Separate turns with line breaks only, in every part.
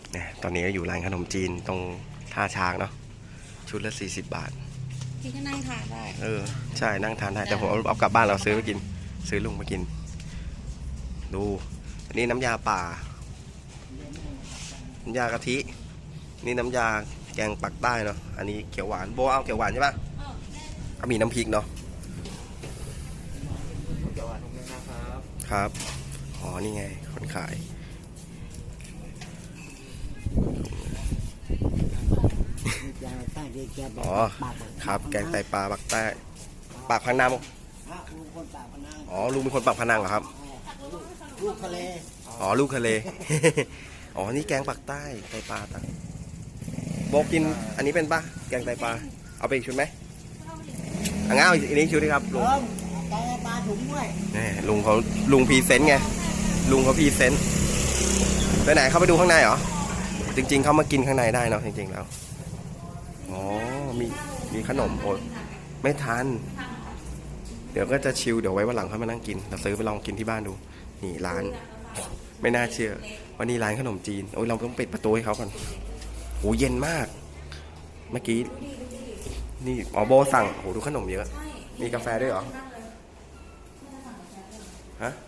เนี่ยตอนนี้ก็อยู่ร้านขนมจีนตรงท่าช้างเนาะชุดละ40 บาท
พี่ก็นั่งทานได้
ใช่นั่งทานได้แต่ผมเอากลับบ้านเราซื้อไปกินซื้อลุงมากินดูอันนี้น้ำยาป่าน้ำยากะทินี่น้ำยาแกงปักใต้เนาะอันนี้เขียวหวานโบเอาเขียวหวานใช่ปะก็มีน้ำพริกเนาะเขียวหวานครับอ๋อนี่ไงคนขายอ๋อครับแกงไตปลาปักใต้ปากพนังอ๋อลุงเป็นคนปากพนังเหรอครับ
ลูกทะเล
อ๋อลูกทะเลอ๋อนี่แกงปักใต้ไตปลาตังโบกินอันนี้เป็นปะแกงไตปลาเอาไปอีกชุดไหมงั้นเอาอีกนี้ชุดดีครับลุง
แกงปลาถุงด้วย
นี่ลุงพรีเซนต์ไงลุงเขาพรีเซนต์ไปไหนเข้าไปดูข้างในเหรอจริงๆเขามากินข้างในได้เนาะจริงๆแล้วอ๋อมีขนมโอ้ไม่ทันเดี๋ยวก็จะชิลเดี๋ยวไว้วันหลังค่อยมานั่งกินเราซื้อไปลองกินที่บ้านดูนี่ร้านไม่น่าเชื่อวันนี้ร้านขนมจีนโอ้ยเราต้องปิดประตูให้เขาก่อนโอ้เย็นมากเมื่อกี้นี่อ๋อโบสั่งโอ้ดูขนมเยอะมีกาแฟด้วยเหรอฮะ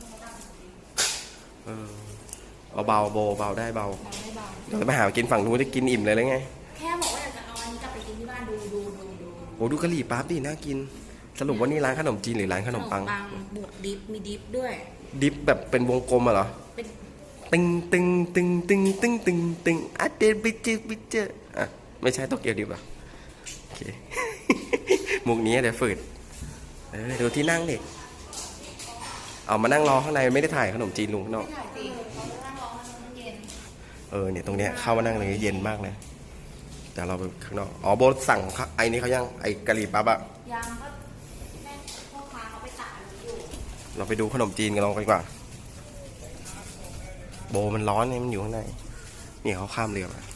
เบาโบเบาได้เบาเดี๋ยวไปหากินฝั่งนู้นจะกินอิ่มเลยไง
แค่บอกว่าอยากจะเอาอันนี้กลับไปกินที่บ้านดู
โอ้ดูกะหรี่ปั๊บดิน่ากินสรุปว่านี่ร้านขนมจีนหรือร้านขนมปัง
บวกดิฟมีดิฟด้วย
ดิฟแบบเป็นวงกลมอะเหรอตึงตึงตึงตึงตึงตึงตึงอ่ะเดนบิเจอ่ะไม่ใช่โตเกียวดิฟอ่ะโอเคมุกนี้เดี๋ยวฝืดดูที่นั่งดิเอามานั่งรอข้างในไม่ได้ถ่ายขนมจีนลุงข้างนอกเนี่ยตรงเนี้ยเข้ามานั่งเลยเย็นมากเลยแต่เราไปข้างนอกอ๋อโบสั่งไอ้นี่เขายังไอ้กะหรี่ปั๊บอะ
ยังก็แม่พ่อค้าเขาไปตัดอยู่
เราไปดูขนมจีนกันลองกันดีกว่าโบมันร้อนเนี่ยมันอยู่ข้างในนี่เขาข้ามเรือมา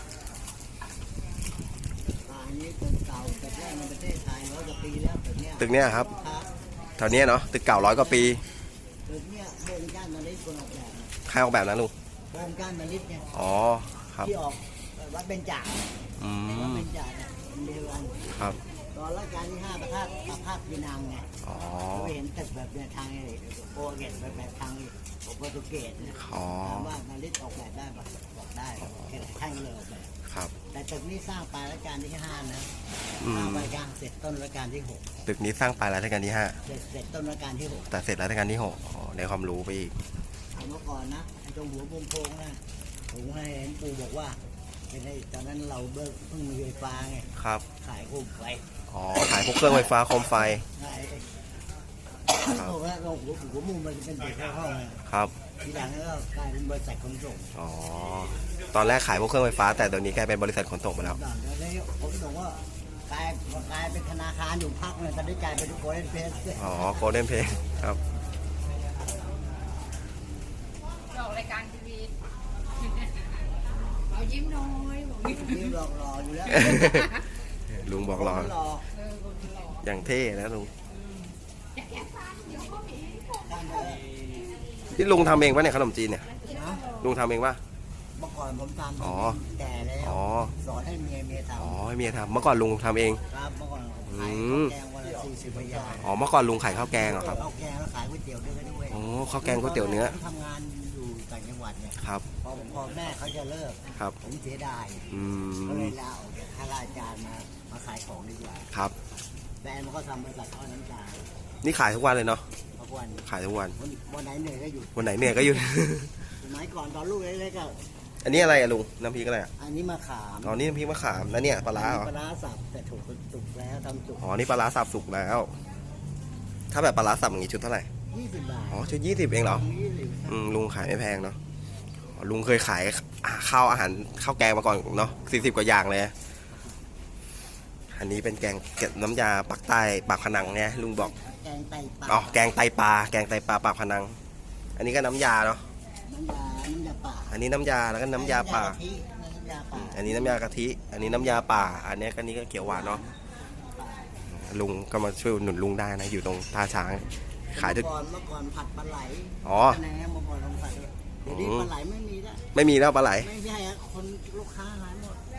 ตึกเนี้ยครับแถวเนี้ยเนาะตึกเก่า100 กว่าปี
ตึกเนี้ยโครงการมาลิศคนออกแบบ
ใครออกแบบนะลุง
โครงการมาลิศเนี่ย
อ๋อครับ
ที่ออกวัดเบญจวัดเบญจเนี่ยเดียวกัน
ครับ
ตอนรัชกาลที่5ประภาสพินังไง
อ๋อ
เห็นตึกแบบเนี่ยทางโปรเกตแบบทางโปรตุเกสเนี่ยถามว่ามาลิศออกแบบได้บอกได้แท่งเลยออกแบบ
ครับ
แต่ตึกนี้สร้างปลายรัชกาลที่5นะสร้างปลายกลางเสร็จต้นรัชกาลที่6
ตึกนี้สร้างปลายรัชกาลที่5
เสร็จต้นรัชกาลที่6
แต่เสร็จรัชกาลที่6อ๋อได้ความรู้ไปอีก
เมื่อก่อนนะตรงหัวโพงนะผมให้เห็นปู่บอกว่าเป็นไอ้ตอนนั้นเราเพิ่งมีไฟฟ้าไง
ครับ
ขายโคมไฟ
อ๋อขายพวกเครื่องไฟฟ้าโคมไฟ
บอกว่าเราหัวมุมมันเป็นเด็กเข้าห้อง
ครับ
ทีหลังก็กลายเป็นบริษัทขนส่ง
อ๋อตอนแรกขายพวกเครื่องไฟฟ้าแต่ตอนนี้กลายเป็นบริษัทขนส่งไปแล้ว
ผมบอกว่ากลายเป็นธนาคารอยู่พักเลยตอนนี้กลายเป็นโกลเด้นเพส
อ๋อโกลเด้นเพสครับ
ออกรายการทีวีเอายิ้มน้อย
ยิ้มหล่ออยู่แล้ว
ลุงบอกรออย่างเท่นะลุงที่ลุงทำเองปะเนี่ยขนมจีนเนี่ยลุงทำเองปะ
เมื่อก่อนผมทำ
อ๋อ
แก่แล้วสอนให้เมียทำ
อ๋อให้เมียทำเมื่อก่อนลุงทำเอง
ครับเมื่อก่อนขายแกงวันละ40 บาท
อ๋อเมื่อก่อนลุงขายข้าวแกงเหรอครับ
ข้าวแกงแล้วขายก๋วยเตี๋ยวด้วย
อ๋อข้าวแกงก๋วยเตี๋ยวเนื้อ
ทำงานอยู่ต่างจังหวัดเนี่ย
ครับ
พอแม่เขาจะเลิก
ครับ
ผมเสียดายก็เลยลาออกจากข้าราชการมาขายของดีกว่า
ครับ
แฟนมันก็ทำบริษัททอดน้ำตาล
นี่ขายทุกวันเลยเนาะ
ทุกวัน
ขายทุกวัน
วันไหนเหนื่อยก็หยุด
วันไหนเหนื่อยก็หยุด
สมัยก่อนตอนลูกเล็กๆก็
อันนี้อะไรอะลุงน้ำพริกอะไรอะ
อันนี้มะขาม
อ๋อนี่น้ำพริกมะขามแล้วเนี่ยปลาร้าเหรอ
ปลาร้าสับแต่ถูกสุกแล้วทำสุก
อ๋อนี่ปลาร้าสับสุกแล้วถ้าแบบปลาร้าสับอย่างงี้ชุดเท่าไหร่
20 บาท
อ๋อชุด20เองเหรอลุงขายไม่แพงเนาะลุงเคยขายข้าวอาหารข้าวแกงมาก่อนเนาะ40 กว่าอย่างเลยอันนี้เป็นแกงน้ำยาปักใต้ปากพนังเนี่ยลุงบอก
แกงไตปลา
อ๋อแกงไตปลาปากพนังอันนี้ก็น้ำยาเนาะ
น้ำยาป่า
อันนี้น้ำยาแล้วก็น้ำยาป่าอันนี้น้ำยากะทิอันนี้น้ำยาป่าอันนี้ก็เขียวหวานเนาะลุงก็มาช่วยหนุนลุงได้นะอยู่ตรงท่าช้างขายทุก
เมื่อก่อนผัดปลาไหล
อ๋อ
เมื่อก่อนลงผัดเดี๋ยวนี้ปลาไหลไม่มีแล้ว
ปลาไหล
ไม่ใช่คน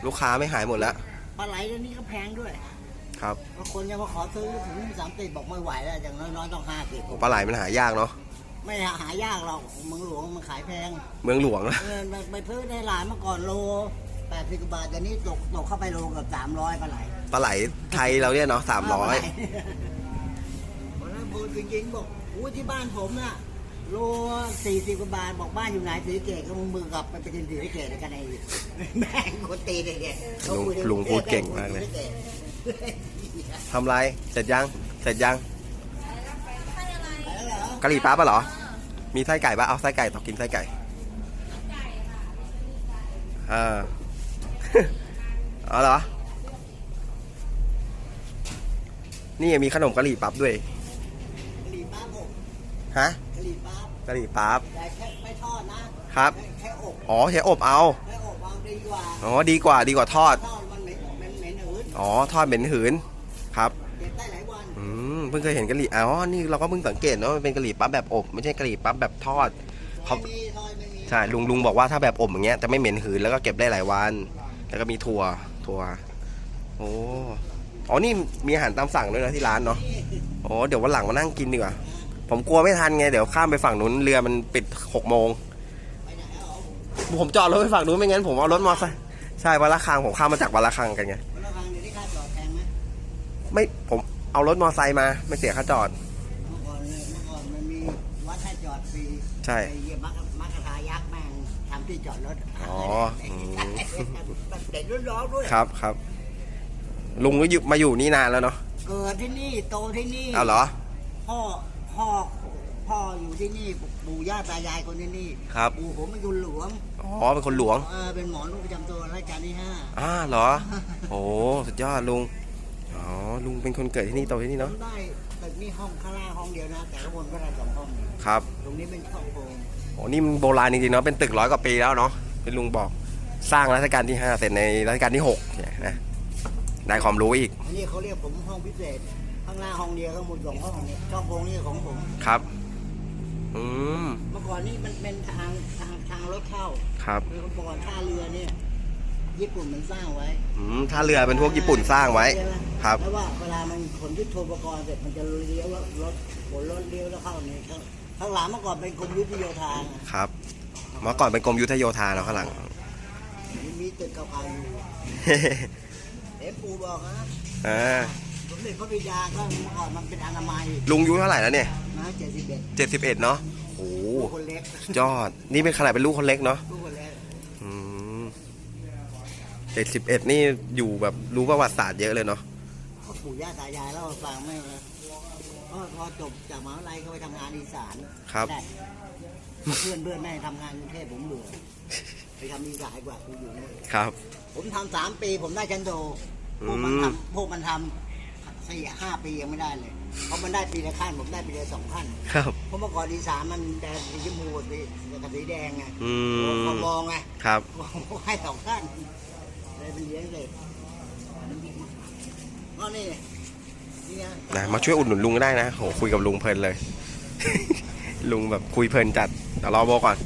ลูกค้าไม่หายหมดแล้ว
ปลาไหลเดี๋ยวนี้ก็แพงด้วย
ครับ
บางคนจะมาขอซื้อถึง30บอกไม่ไหวแล้วอย่างน้อยๆต้อง50
ปลาไหลมันหายากเนาะ
ไม่หายากหรอกเมืองหลวงมันขายแพง
เมืองหลวงนะ
ไปซื้อในร้านเมื่อก่อนโล80 กว่าบาทเดี๋ยวนี้ตกเข้าไปโลเกับ300ปลาไหล
ปลาไหลไทยเราเนี่ยเนาะ300
วันนั้นพูดจริงๆบอกอู้ที่บ้านผมน่ะโล40 กว่าบาทบอกบ้านอยู่ไหนศรีสะเกษก็มึงมือกลับไปกินศรีสะเกษกันไอ้แม่งคนตีเลยเนี่ย
ลุงพูดเก่งมากเลยทำไรเสร็จยังเสร็จยังกะหรี่ปั๊บปะเหรอมีไส้ไก่ปะเอาไส้ไก่ต่อกินไส้ไก่เอาเหรอนี่มีขนมกะหรี่ปั๊บด้วย
กะหรี่ปั๊บผม
ฮะ
กะหรี่ปั๊บ
กะหรี่ปั๊บ
แต่แค่ไม่ทอดนะครับ แค่อบ
อ๋อใช้อบเอา
แค่อบวางดีกว่า
อ๋อดีกว่าทอด
ทอดมันเหม็นหืน
อ๋อทอดเหม็นหืนครับ
เก็บได้หลายวัน
เพิ่งเคยเห็นกะหรี่อ๋อนี่เราก็เพิ่งสังเกตเนาะมันเป็นกะหรี่ปั๊บแบบอบไม่ใช่กะหรี่ปั๊บแบบทอดเขา
ไม่มีทอดไม่มี
ใช่ลุงบอกว่าถ้าแบบอบอย่างเงี้ยจะไม่เหม็นหืนแล้วก็เก็บได้หลายวันแล้วก็มีถั่วโอ้อ๋อนี่มีอาหารตามสั่งด้วยนะที่ร้านเนาะโอ้เดี๋ยววันหลังมานั่งกินดีกว่าผมกลัวไม่ทันไงเดี๋ยวข้ามไปฝั่งนู้นเรือมันปิด6 โมง
ไปไหนเอา
ผมจอดรถไปฝั่งนู้นไม่งั้นผมเอารถมอเตอร์ไซค์ใช่วันละคังผมข้ามมาจากวันละคังกันไง
วันละครั้งเดี๋ยวนี้ค่าจอดแพงไหม
ไม่ผมเอารถมอเตอร์ไซค์มาไม่เสียค่าจอด
เมื่อก่อนมันมีวัดให้จอดฟรี
ใช่
ไอ้เหี้ยมักกะทายักษ์แม่งทำที่จอดรถ
อ๋อ
เด็กรุ่นน้องด้วย
ครับลุงก็มาอยู่นี่นานแล้วเนาะ
เกิดที่นี่โตที่นี่
เอาเหรอ
พ่ออยู่ที่นี่ปู่ย่าตายายคนที่นี่
ครับ
ปู่ผมเป็นคนหลวง
อ๋อเป็นคนหลวง
เป็นหมอลูกประจำตัวรัชกาลที่5
เหรอโอ้สุดยอดลุงอ๋อลุงเป็นคนเกิดที่นี่โตที่นี่
ผ
เนาะ
มได้ตึกนี่ห้องข้างล่างห้องเดียวนะแต่ข้างบนก็ได้2 ห้อง
ครับ
ตรงนี้เป็นห้องโถง
โอ้นี่มันโบราณจริงๆเนาะเป็นตึก100 กว่าปีแล้วเนาะเป็นลุงบอกสร้างรัชกาลที่5เสร็จในรัชกาลที่6เนี่ยนะได้ความรู้อีก
อันนี้เขาเรียกผมห้องพิเศษข้างล่างห้องเดียวข้างบน2 ห้องเนี่ยช่องโถงนี่ของผม
ครับ
เมื่อก่อนนี่มันเป็นทางรถเข้า
ครับ
เมื่อก่อนท่าเรือเนี่ยญี่ปุ่นมันสร้างไว้
ท่าเรือเป็นพวกญี่ปุ่นสร้างไว้
ใช่หม
ครับ
แล้วว่าเวลามันขนยุทโธปกรณ์เสร็จมันจะเลี้ยวรถขนรถเลี้ยวแล้วเข้านี่ข้างหลังเมื่อก่อนเป็นกรมยุทธโยธาไง
ครับเมื่อก่อนเป็นกรมยุทธโยธาเนาะข้างหลัง
มีตึกเก่าๆอยู่เอ็มปูบอกนะ สมเด็จพระบิดาก็เมื่อก่อนมันเป็นอนามัย
ลุงอายุเท่าไหร่แล้วเนี่ย
นะ
71เนาะโอ้
คนเล็ก
ยอดนี่เป็นขนาดเป็นลูกคนเล็กเนาะ
ลูกคนเล็ก
71นี่อยู่แบบรู้ประวัติศาสตร์เยอะเลยเนาะ
พ่อปู่ย่าตายายเล่าให้ฟังไม่เลยพอจบจากมหาวิทยาลัยก็ไปทำงานอีสาน
ครับ
ได้เพื่อนแม่ทำงานกรุงเทพผมเบื่อไปทำอีสานกว่ากูอยู่นี่
ครับ
ผมทำ3 ปีผมได้ชั้นโทพวกมันทำ4-5 ปียังไม่ได้เลยเพราะมันได้ปีละขั้นผมได้ปีละ2 ขั้น
ครับ
เพราะเมื่อก่อนอีสานมันแดงสีชมพูกับสีแดงไง
ม
เขามองไง
ครับ
ผมให้2 ขั้นเลยเป็นเลี้ยงเลยก็นี่ไง
นะมาช่วยอุดหนุนลุงก็ได้นะโหคุยกับลุงเพลินเลย ลุงแบบคุยเพลินจัดเดี๋ยวรอโบก่อน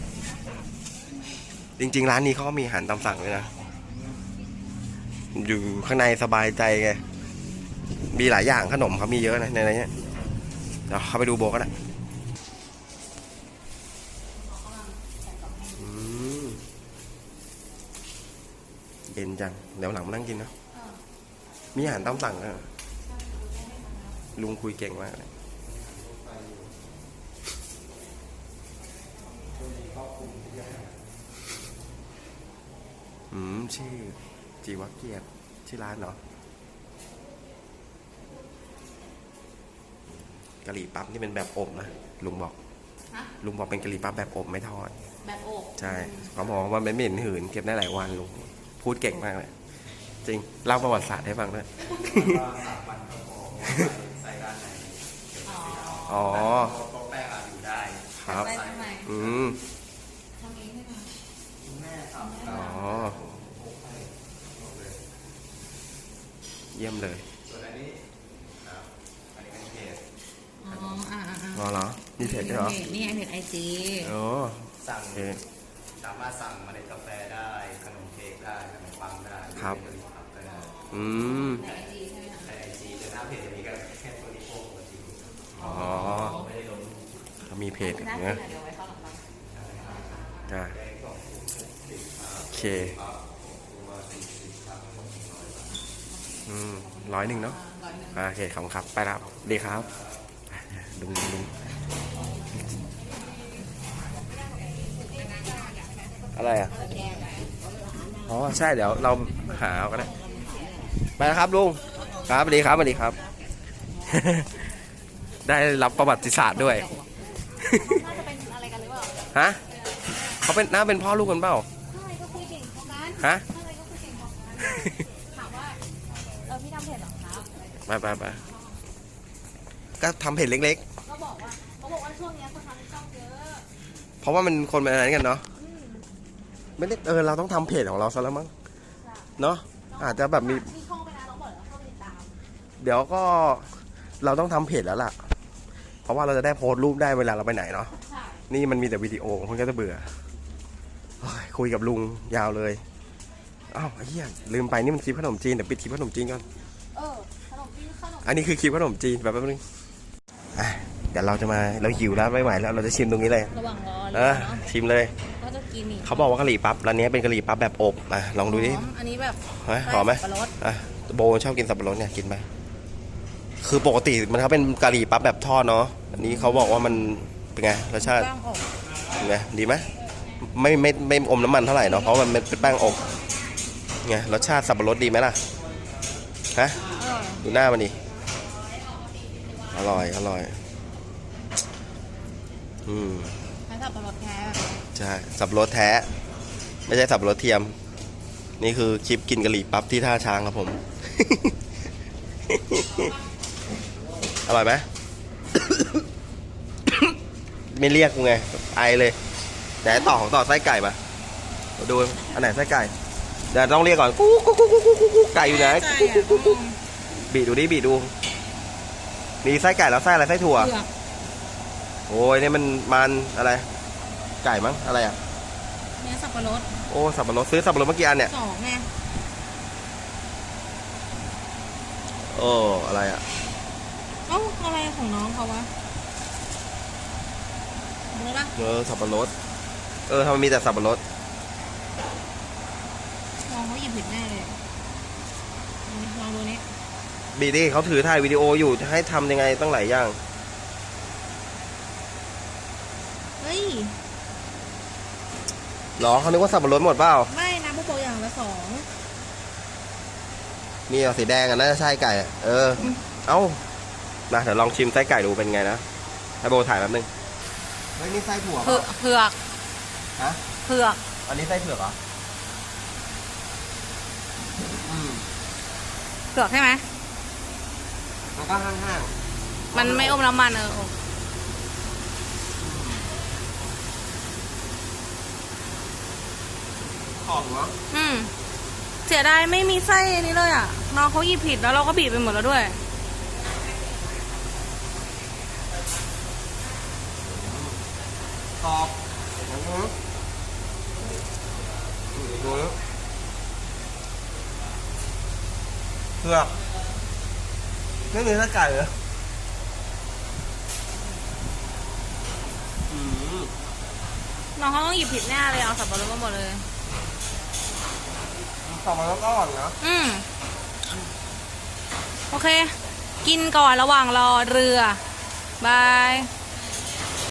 จริงๆร้านนี้เขาก็มีอาหารตามสั่งเลยนะอยู่ข้างในสบายใจไงมีหลายอย่างขนมเขามีเยอะนะในนี้เดี๋ยวเข้าไปดูโบก็ได้เย็นจังเดี๋ยวหลังมานั่งกินนะมีอาหารตามสั่งนะลุงคุยเก่งมากเลยชื่อจีวเกียรติที่ร้านเนาะกะหรี่ปั๊บนี่เป็นแบบอบนะลุงบอกเป็นกะหรี่ปั๊บแบบอบไม่ทอด
แบบอบ
ใช่เขาบอกว่ามันไม่เหม็นหืนเก็บได้หลายวันลุงพูดเก่งมากเลยจริงเล่าประวัติศาสตร์ให้ฟังด้วยอ๋อแป้งอยู่ได้ครับทำเองใช่ไหมอ๋อเยี่ยมเลยส่วนอันนี้เป็นเพจเหรอมีเพจด้วยเหรอ
นี่ไงเพจIG
โอ้
สั่งสามารถสั่งเมล็ดกาแฟได้ขนมเค้กได้ขนมปังได้
ครับ อืมอ๋อเขามีเพจนะจ้าโอเค100เนาะโอเคขอบคุณครับไปแล้วดีครับลุงอะไรอ่ะอ๋อใช่เดี๋ยวเราหาเอาก็ได้ไปแล้วครับลุงครับสวัสดีครับสวัสดีครับ ได้รับประวัติศาสตร์ด้วย
น่าจะเป็นอะไรกันหรือเปล่า
ฮะเขาเป็นน่าเป็นพ่อลูกกันเปล่า
ใช่ก็คุยเก่งพอกัน
ฮะ
ใช่ก็คุยเก่งพอกันถามว่าพี่ทำเพจเหรอครับ
ไปก็ทำเพจเล็ก
ก็บอกว่าเขาบอกว่าช่วงนี้คนทำช่องเยอะ
ๆ เพราะว่ามันคนเป็นอะไรกันเนาะไม่ได้เราต้องทำเพจของเราซะแล้วมั้งเนาะอาจจะแบบมี
ช่องไปนะน้องบอกแล้วเข้าไปติดตาม
เดี๋ยวก็เราต้องทำเพจแล้วล่ะ เพราะว่าเราจะได้โพสต์รูปได้เวลาเราไปไหนเนาะ
ใช่
นี่มันมีแต่วิดีโอคนก็จะเบื่อโอ้ยคุยกับลุงยาวเลยอ้าวไอ้เหี้ยลืมไปนี่มันคลิปขนมจีนเดี๋ยวปิดคลิปขนมจีนก่อน
ขนมจีนขนม
อันนี้คือคลิปขนมจีนแบบแป๊บนึงเดี๋ยวเราจะมาเราหิวแล้วไม่ไหวแล้วเราจะชิมตรงนี้เลย
ระหว่างรอ
เออชิมเลย
ก็จะกินอีก
เขาบอกว่ากะหรี่ปั๊บร้านนี้เป็นกะหรี่ปั๊บแบบอบลองดูดิ
อันนี้แบบ
หอมไหม
สับปะรด
โบชอบกินสับปะรดเนี่ยกินไหมคือปกติมันเขาเป็นกะหรี่ปั๊บแบบทอดเนาะอันนี้เขาบอกว่ามันเป็นไงรสชาติ
แป้งอบ
เป็นไงดีไหมไม่อมน้ำมันเท่าไหร่เนาะเพราะมันเป็นแป้งอบไงรสชาติสับปะรดดีไหมล่ะฮะ
อร่อย
ดูหน้ามันดิอร่อย
ใช้สับปะรดแท้
ใช่สับปะรดแท้ ไม่ใช่สับปะรดเทียม นี่คือคลิปกินกะหรี่ปั๊บที่ท่าช้างครับผม อร่อยไหม ไม่เรียกกูไงไอเลยไหนต่อไส้ไก่มาดูอันไหนไส้ไก่เดี๋ยวต้องเรียกก่อนกุ๊กไก่อยู่ไหนบีดูดิบีดูมีไส้ไก่แล้วไส้อะไรไส้ถั่ว
เผือก
โอ้ยนี่มันอะไรไก่มั้งอะไรอ่ะ
เนื้อสับปะรด
โอ้สับปะรดซื้อสับปะรดเมื่อกี้อันเนี่ย
2ไง
โอ้อะไรอ่ะ
เอ้าอะไรของน้องเขาวะรู้ปะ
สับปะรดทำไมมีแต่สับปะรด
น้องเขาหยิบผิดแน่เลยลองดูนี้
บีดิเขาถือถ่ายวิดีโออยู่จะให้ทำยังไงตั้งหลายอย่าง
เฮ้ย
หรอเขานึกว่าสับปะรดหมดเปล่า
ไม่นะพวกโปรอย่างละ2
นี่เอาสีแดงอ่ะน่าจะใช่ไก่อะเอ้านะเดี๋ยวลองชิมไส้ไก่ดูเป็นไงนะให้โบถ่ายแป๊บนึงเฮ้ยนี่ไส้ถั่ว
เผือก
ฮะ
เผือก
อันนี้ไส้เผือกเหรอ
เผือกใช่ไหม
มันก็ห้าง
มันไม่อมน้ำมัน
ขอบเหรอ
เสียดายไม่มีไส้นี้เลยอ่ะน้องเขาหยิบผิดแล้วเราก็บีบไปหมดแล้วด้วย
ขอบดูนะเผือกไม่มีไส้ไก่เหรอ
น้องเขาต้องหยิบผิดแน่เลยเอาสับปะรดมาหมดเลย
สับปะรดก็อร่อยนะ
โอเค กินก่อนระหว่างรอเรือ บาย